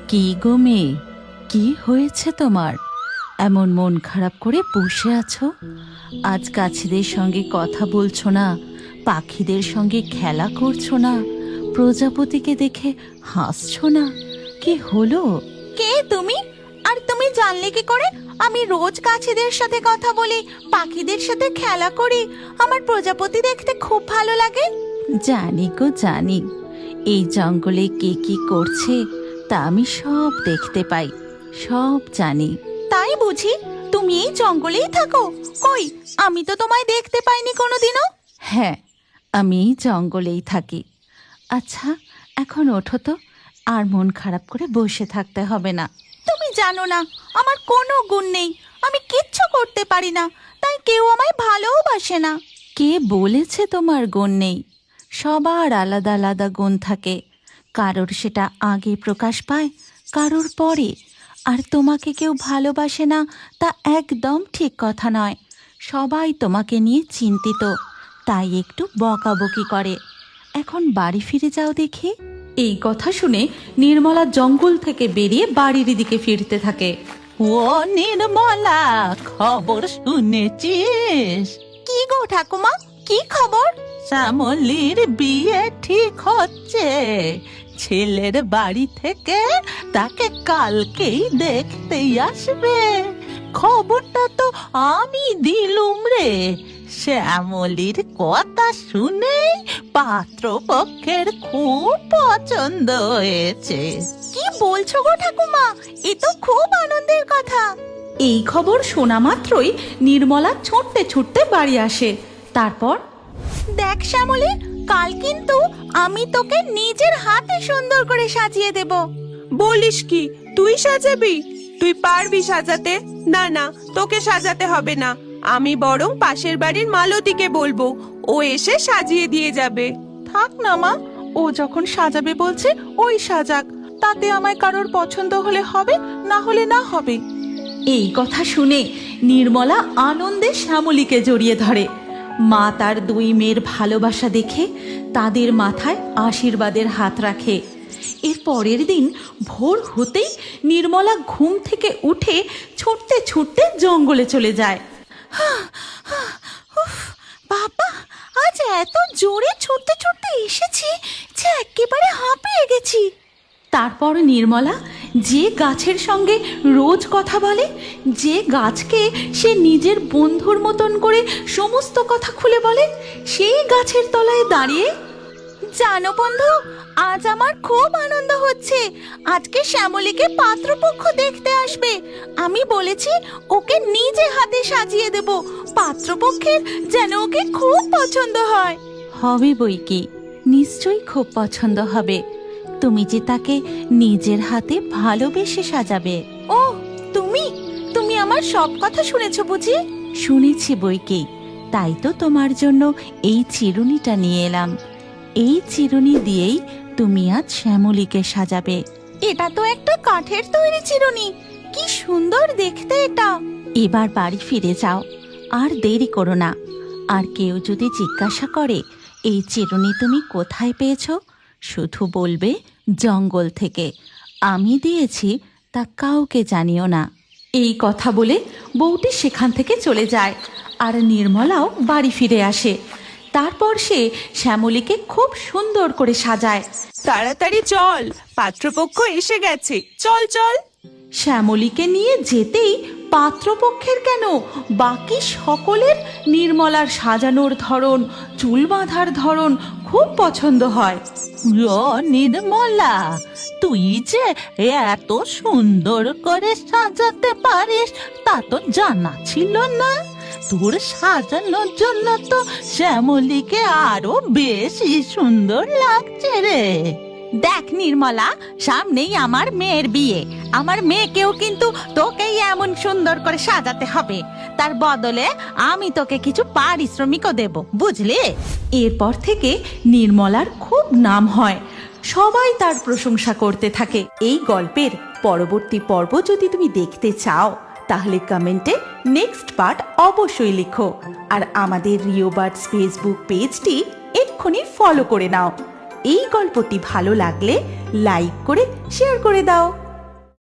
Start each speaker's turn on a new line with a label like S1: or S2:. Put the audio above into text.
S1: কি গো মেয়ে, কি হয়েছে তোমার? এমন মন খারাপ করে বসে আছো? আজ গাছেদের সঙ্গে কথা বলছো না, পাখিদের সঙ্গে খেলা করছো না, প্রজাপতিকে দেখে হাসছো না, কি হলো?
S2: কে তুমি? আর তুমি জানলে কি করে আমি রোজ গাছেদের সাথে কথা বলি, পাখিদের সাথে খেলা করি, আমার প্রজাপতি দেখতে খুব ভালো লাগে?
S1: জানি গো জানি, এই জঙ্গলে কে কি করছে তা আমি সব দেখতে পাই, সব জানি।
S2: তাই বুঝি? তুমি এই জঙ্গলেই থাকো? কই, আমি তো তোমায় দেখতে পাইনি কোনোদিনও।
S1: হ্যাঁ, আমি এই জঙ্গলেই থাকি। আচ্ছা, এখন ওঠো তো, আর মন খারাপ করে বসে থাকতে হবে না।
S2: তুমি জানো না আমার কোনো গুণ নেই, আমি কিচ্ছু করতে পারি না, তাই কেউ আমায় ভালোবাসে না।
S1: কে বলেছে তোমার গুণ নেই? সবার আলাদা আলাদা গুণ থাকে, কারোর সেটা আগে প্রকাশ পায়, কারোর পরে। আর তোমাকে কেউ ভালোবাসে না তা একদম ঠিক কথা নয়। সবাই তোমাকে নিয়ে চিন্তিত, তাই একটু বকাবকি করে। এখন বাড়ি ফিরে যাও দেখি। এই কথা শুনে নির্মলা জঙ্গল থেকে বেরিয়ে বাড়ির দিকে ফিরতে থাকে।
S3: ও নির্মলা, খবর শুনেছিস?
S2: কি গো ঠাকুমা, কি খবর?
S3: শ্যামলীর বিয়ে ঠিক হচ্ছে। ছেলের বাড়ি থেকে তাকে কালকেই দেখতেই আসবে। খবরটা তো আমি দিলুম রে। শ্যামলীর কথা শুনে পাত্রপক্ষের খুব পছন্দ হয়েছে।
S2: কি বলছো গো ঠাকুমা, এ তো খুব আনন্দের কথা।
S1: এই খবর শোনা মাত্রই নির্মলা ছুটতে ছুটতে বাড়ি আসে। তারপর,
S2: দেখ শ্যামলী, কাল কিন্তু আমি তোকে নিজের হাতে সুন্দর করে সাজিয়ে দেব।
S4: বলিস কি, তুই সাজাবি? তুই পারবি সাজাতে? না না, তোকে সাজাতে হবে না। আমি বরং পাশের বাড়ির মালতীকে বলবো, ও এসে সাজিয়ে দিয়ে যাবে।
S5: থাক না মা, ও যখন সাজাবে বলছে ওই সাজাক, তাতে আমায় কারোর পছন্দ হলে হবে, না হলে না হবে।
S1: এই কথা শুনে নির্মলা আনন্দে শ্যামলীকে জড়িয়ে ধরে। মা তার দুই মেয়ের ভালোবাসা দেখে তাদের মাথায় আশীর্বাদের হাত রাখে। এর পরের দিন ভোর হতেই নির্মলা ঘুম থেকে উঠে ছুটতে ছুটতে জঙ্গলে চলে যায়।
S2: উফ, বাবা, আজ এত জোরে ছুটতে ছুটতে এসেছি যে একেবারে হাঁপিয়ে গেছি।
S1: তারপর নির্মলা যে গাছের সঙ্গে রোজ কথা বলে, যে গাছকে সে নিজের বন্ধুর মতন করে সমস্ত কথা খুলে বলে, সেই গাছের তলায় দাঁড়িয়ে,
S2: জানো বন্ধু, আজ আমার খুব আনন্দ হচ্ছে। আজকে শ্যামলীকে পাত্রপক্ষ দেখতে আসবে। আমি বলেছি ওকে নিজে হাতে সাজিয়ে দেব, পাত্রপক্ষের যেন ওকে খুব পছন্দ হয়।
S1: হবে বই কি, নিশ্চয়ই খুব পছন্দ হবে। তুমি যে তাকে নিজের হাতে ভালোবেসে সাজাবে।
S2: ও, তুমি তুমি আমার সব কথা শুনেছো বুঝি?
S1: শুনেছি বই কি, তাই তো তোমার জন্য এই চিরুনিটা নিয়ে এলাম। এই চিরুনি দিয়েই তুমি আজ শ্যামলীকে সাজাবে।
S2: এটা তো একটা কাঠের তৈরি চিরুনি, কি সুন্দর দেখতে এটা।
S1: এবার বাড়ি ফিরে যাও, আর দেরি করো না। আর কেউ যদি জিজ্ঞাসা করে এই চিরুনি তুমি কোথায় পেয়েছো, শুধু বলবে জঙ্গল থেকে। আমি দিয়েছি, তা কাউকে জানিও না। এই কথা বলে বউটি সেখান থেকে চলে যায়, আর নির্মলাও বাড়ি ফিরে আসে। তারপর সে শ্যামলীকে খুব সুন্দর করে সাজায়।
S4: তাড়াতাড়ি চল, পাত্রপক্ষ এসে গেছে, চল চল।
S1: শ্যামলীকে নিয়ে যেতেই পাত্রপক্ষের কেন, বাকি সকলের নির্মলার সাজানোর ধরন, চুল বাঁধার ধরন খুব পছন্দ হয়।
S3: ও নির্মলা, তুই যে এত সুন্দর করে সাজাতে পারিস তা তো জানা ছিল না। তোর সাজানোর জন্য তো শ্যামলীকে আরো বেশি সুন্দর লাগছে রে।
S2: দেখ নির্মলা, সামনেই আমার মেয়ের বিয়ে। আমার মেয়েকেও কিন্তু তোকেই এমন সুন্দর করে সাজাতে হবে। তার বদলে আমি তোকে কিছু পারিশ্রমিকও দেব, বুঝলি?
S1: এরপর থেকে নির্মলার খুব নাম হয়, সবাই তার প্রশংসা করতে থাকে। এই গল্পের পরবর্তী পর্ব যদি তুমি দেখতে চাও, তাহলে কমেন্টে নেক্সট পার্ট অবশ্যই লিখো। আর আমাদের রিও বার্ডস ফেসবুক পেজটি এক্ষুনি ফলো করে নাও। এই গল্পটি ভালো লাগলে লাইক করে শেয়ার করে দাও।